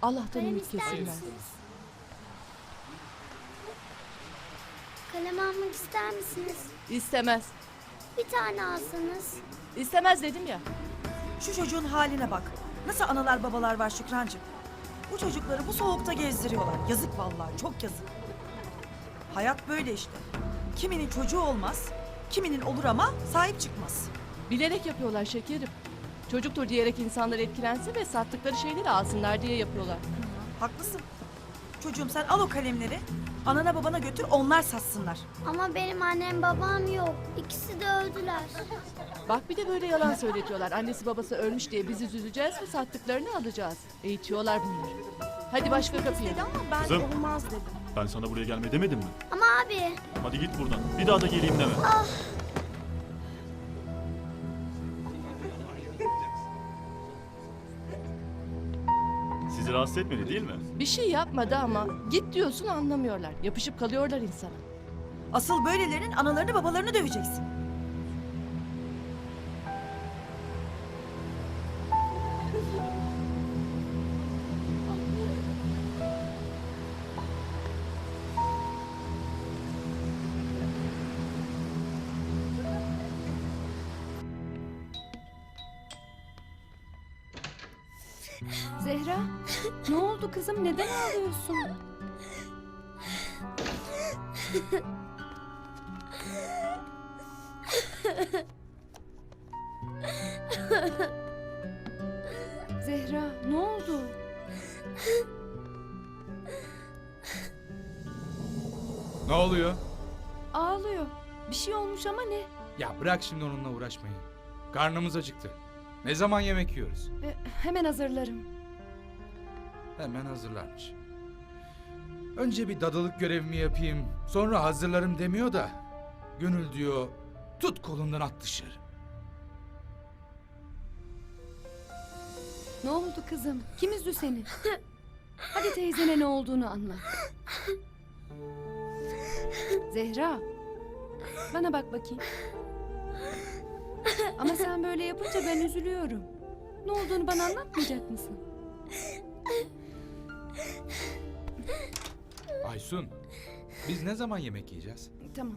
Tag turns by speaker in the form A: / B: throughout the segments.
A: Allah'tan
B: Kalem
A: ümit
B: ister
A: kesilmez.
B: misiniz? Kalem almak ister misiniz?
A: İstemez.
B: Bir tane alsanız.
A: İstemez dedim ya.
C: Şu çocuğun haline bak. Nasıl analar babalar var Şükrancığım. Bu çocukları bu soğukta gezdiriyorlar. Yazık vallahi, çok yazık. Hayat böyle işte. Kiminin çocuğu olmaz, kiminin olur ama sahip çıkmaz.
A: Bilerek yapıyorlar şekerim. Çocuktur diyerek insanlar etkilensin ve sattıkları şeyleri alsınlar diye yapıyorlar.
C: Haklısın. Çocuğum sen al o kalemleri, anana babana götür onlar satsınlar.
B: Ama benim annem babam yok. İkisi de öldüler.
A: Bak bir de böyle yalan söyletiyorlar. Annesi babası ölmüş diye bizi üzüleceğiz ve sattıklarını alacağız. Eğitiyorlar bunları. Hadi başka kapıya.
C: Ama ben
D: Kızım.
C: olmaz dedim.
D: Ben sana buraya gelme demedim mi?
B: Ama abi.
D: Hadi git buradan. Bir daha da geleyim deme. Sizi rahatsız etmedi değil mi?
A: Bir şey yapmadı ama git diyorsun anlamıyorlar. Yapışıp kalıyorlar insana.
C: Asıl böylelerinin analarını babalarını döveceksin.
E: Zehra, ne oldu kızım? Neden ağlıyorsun? Zehra, ne oldu?
F: Ne oluyor?
E: Ağlıyor. Bir şey olmuş ama ne?
F: Ya bırak şimdi onunla uğraşmayı. Karnımız acıktı. Ne zaman yemek yiyoruz?
E: Hemen hazırlarım.
F: Hemen hazırlarmış. Önce bir dadılık görevimi yapayım, sonra hazırlarım demiyor da... Gönül diyor, tut kolundan at dışarı.
E: Ne oldu kızım? Kim üzdü seni? Hadi teyzene ne olduğunu anlat. Zehra, bana bak bakayım. Ama sen böyle yapınca ben üzülüyorum. Ne olduğunu bana anlatmayacak mısın?
F: Aysun, biz ne zaman yemek yiyeceğiz?
E: Tamam,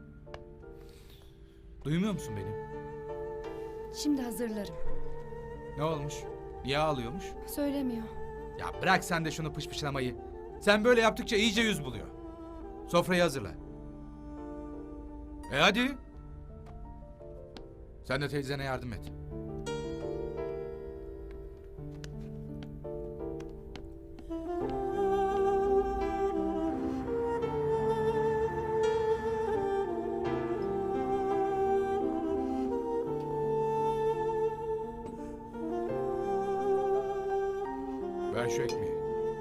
F: Duymuyor musun beni?
E: şimdi hazırlarım.
F: Ne olmuş? Niye ağlıyormuş?
E: Söylemiyor.
F: Ya bırak sen de şunu pışpışlamayı. Sen böyle yaptıkça iyice yüz buluyor. Sofrayı hazırla. Hadi. Sen de teyzene yardım et. Ver şu ekmeği.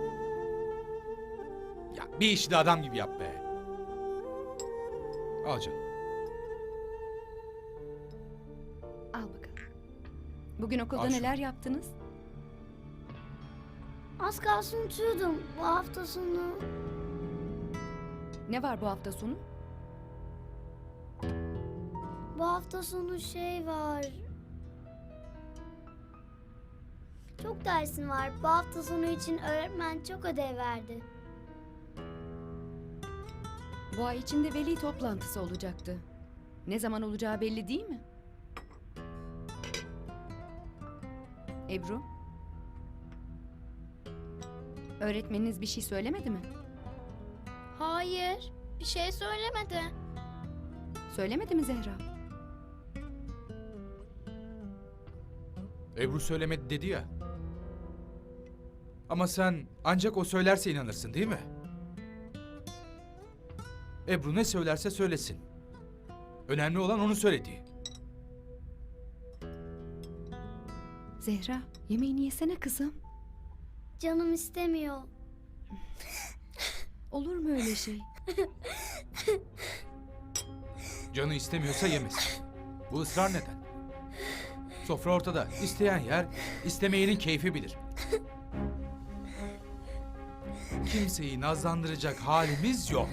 F: Ya bir işi de adam gibi yap be. Al canım.
E: Al bakalım. Bugün okulda
F: Al şunu.
E: neler yaptınız?
B: Az kalsın unutuyordum bu hafta sonu.
E: Ne var bu hafta sonu?
B: Bu hafta sonu şey var. Çok dersin var. Bu hafta sonu için öğretmen çok ödev verdi.
E: Bu ay içinde veli toplantısı olacaktı. Ne zaman olacağı belli değil mi? Ebru? Öğretmeniniz bir şey söylemedi mi?
B: Hayır, bir şey söylemedi.
E: Söylemedi mi Zehra?
F: Ebru söylemedi dedi ya. Ama sen ancak o söylerse inanırsın değil mi? Ebru ne söylerse söylesin. Önemli olan onu söylediği.
E: Zehra, yemeğini yesene kızım.
B: Canım istemiyor.
E: Olur mu öyle şey?
F: Canı istemiyorsa yemesin. Bu ısrar neden? Sofra ortada. İsteyen yer, istemeyenin keyfi bilir. Kimseyi nazlandıracak halimiz yok.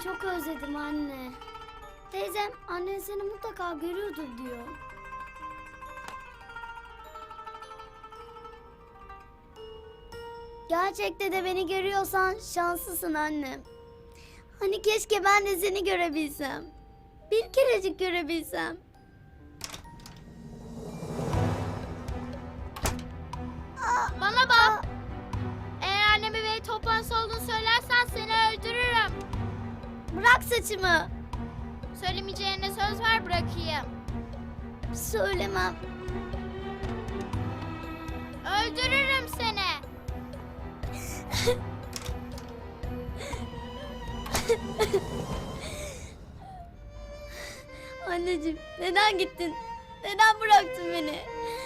B: çok özledim anne. Teyzem annen seni mutlaka görüyordur diyor. Gerçekte de beni görüyorsan şanslısın annem. Hani keşke ben de seni görebilsem. Bir kerecik görebilsem.
G: Bana bak. Eğer anneme veli toplantısı olduğunu söylersen seni öldürürüm.
B: Bırak saçımı.
G: Söylemeyeceğine söz ver bırakayım.
B: Söylemem.
G: Öldürürüm seni.
B: Anneciğim neden gittin? Neden bıraktın beni?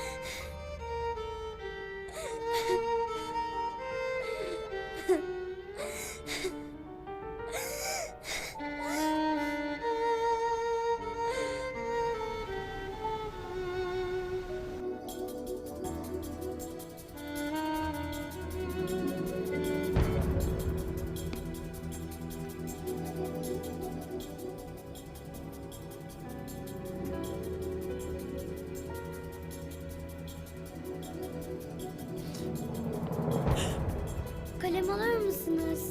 B: Kalem alır mısınız?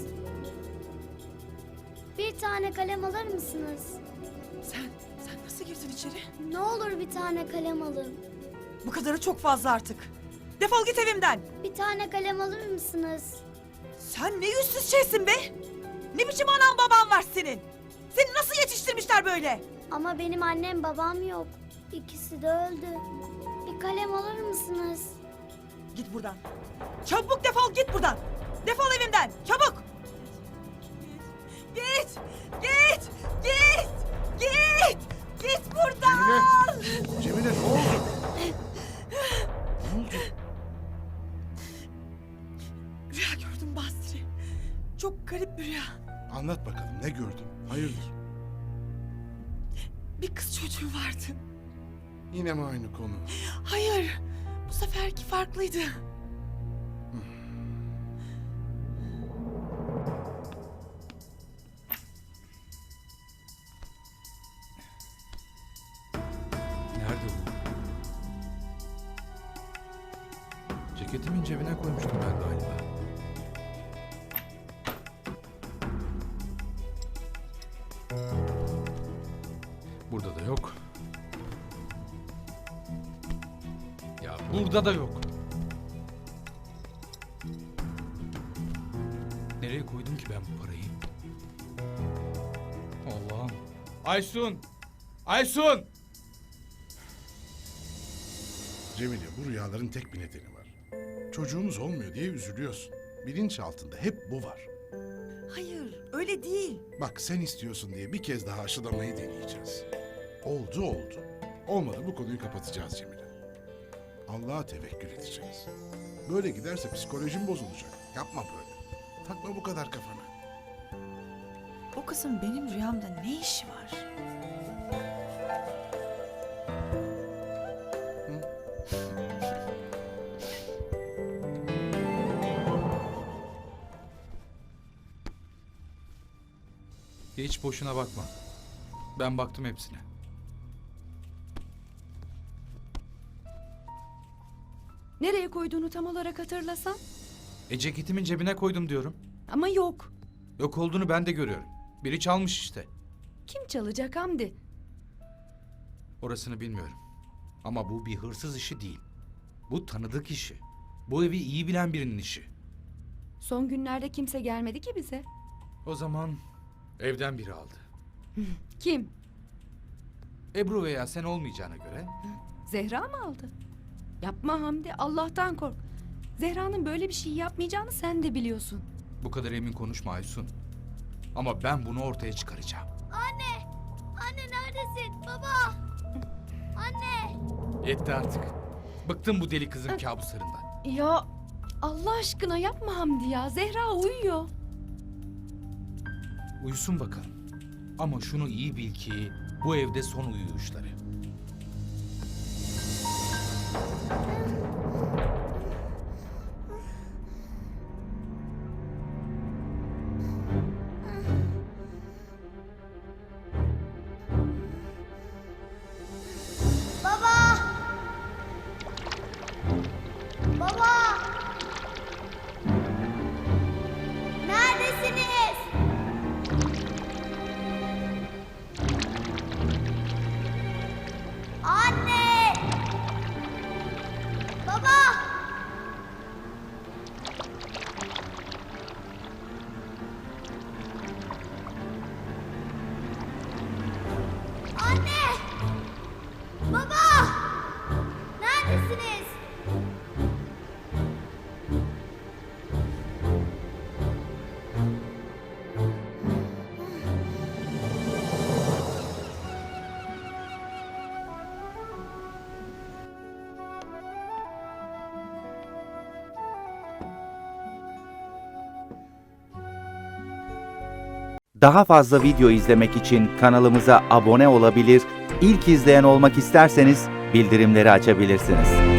B: Bir tane kalem alır mısınız?
C: Sen nasıl girdin içeri?
B: Ne olur bir tane kalem alın.
C: Bu kadarı çok fazla artık. Defol git evimden.
B: Bir tane kalem alır mısınız?
C: Sen ne yüzsüz şeysin be? Ne biçim anan baban var senin? Seni nasıl yetiştirmişler böyle?
B: Ama benim annem babam yok. İkisi de öldü. Bir kalem alır mısınız?
C: Git buradan. Çabuk defol git buradan. Defol evimden. Çabuk. Git. Git. Git. Git. Git buradan.
F: Cemile ne oldu? Ne oldu?
C: Rüya gördüm Basri. Çok garip bir rüya.
H: Anlat bakalım ne gördün? Hayırdır?
C: Bir kız çocuğu vardı.
H: Yine mi aynı konu?
C: Hayır. Bu seferki farklıydı.
F: Nerede bu? Ceketimin cebine koymuştum ben galiba. Burada da yok. Ya burada da yok. Nereye koydum ki ben bu parayı? Allah'ım. Aysun! Aysun!
H: Cemile bu rüyaların tek bir nedeni var. Çocuğumuz olmuyor diye üzülüyorsun. Bilinç altında hep bu var.
C: Hayır, öyle değil.
H: Bak sen istiyorsun diye bir kez daha aşılamayı deneyeceğiz. Oldu oldu. Olmadı bu konuyu kapatacağız Cemile. Allah'a tevekkül edeceğiz. Böyle giderse psikolojin bozulacak. Yapma böyle. Takma bu kadar kafana.
C: O kızın benim rüyamda ne işi var?
F: Hiç boşuna bakma. Ben baktım hepsine.
E: Nereye koyduğunu tam olarak hatırlasan.
F: Ceketimin cebine koydum diyorum.
E: Ama yok.
F: Yok olduğunu ben de görüyorum. Biri çalmış işte.
E: Kim çalacak Hamdi?
F: Orasını bilmiyorum. Ama bu bir hırsız işi değil. Bu tanıdık işi. Bu evi iyi bilen birinin işi.
E: Son günlerde kimse gelmedi ki bize.
F: O zaman evden biri aldı.
E: Kim?
F: Ebru veya sen olmayacağına göre
E: Zehra mı aldı? Yapma Hamdi, Allah'tan kork. Zehra'nın böyle bir şey yapmayacağını sen de biliyorsun.
F: bu kadar emin konuşma Aysun. Ama ben bunu ortaya çıkaracağım.
B: Anne! Anne neredesin? Baba! Anne!
F: Yetti artık. Bıktım bu deli kızın kabuslarından.
E: Ya Allah aşkına yapma Hamdi ya. Zehra uyuyor.
F: Uyusun bakalım. Ama şunu iyi bil ki bu evde son uyuyuşları.
I: Daha fazla video izlemek için kanalımıza abone olabilir, ilk izleyen olmak isterseniz bildirimleri açabilirsiniz.